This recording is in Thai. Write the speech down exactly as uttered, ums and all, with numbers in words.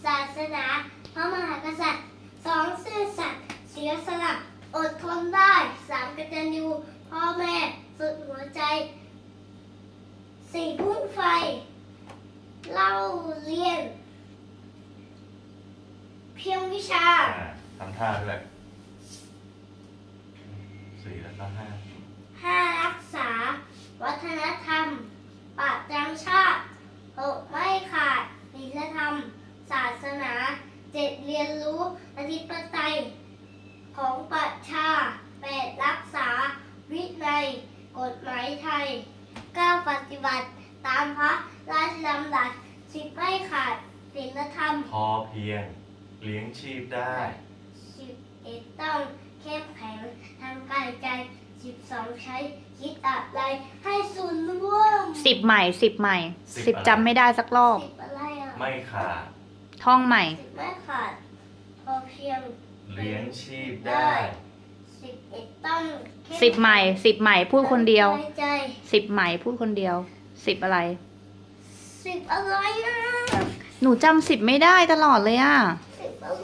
ศาสนาพระมหากษัตริย์สองซื่อสัตย์เสียสละอดทนได้สามกตัญญูพ่อแม่สุดหัวใจสี่พุ่งไฟเล่าเรียน เพียงวิชาอ่าทำท่าด้วยสี่แล้วก็ห้าห้ารักษา วัฒนธรรมปราบจำชาติหกไม่ขาดศีลธรรม ศาสนาเจ็ดเรียนรู้อธิปไตยของประชาแปดรักษา วินัยกฎหมายไทยเก้าปฏิบัติ ตามพระราชดำรัสสิบไม่ขาดศีลธรรมพอเพียงเลี้ยงชีพได้สิบเอ็ดต้องเข้มแข็งทางกายใจสิบสองใช้คิดอะไรให้ส่วนร่วมสิบใหม่สิบใหม่สิบสิบอะไรจำไม่ได้สักรอบสิบอะไรอ่ะไม่ขาดท่องใหม่สิบไม่ขาด พอเพียงเลี้ยงชีพได้สิบเอ็ดต้องเข้สิบใหม่สิบใหม่พูดคนเดียวทางกาใจสิบใหม่พูดคนเดียวสิบอะไรสิบอะไรอ่ะหนูจำสิบไม่ได้ตลอดเลยอ่ะส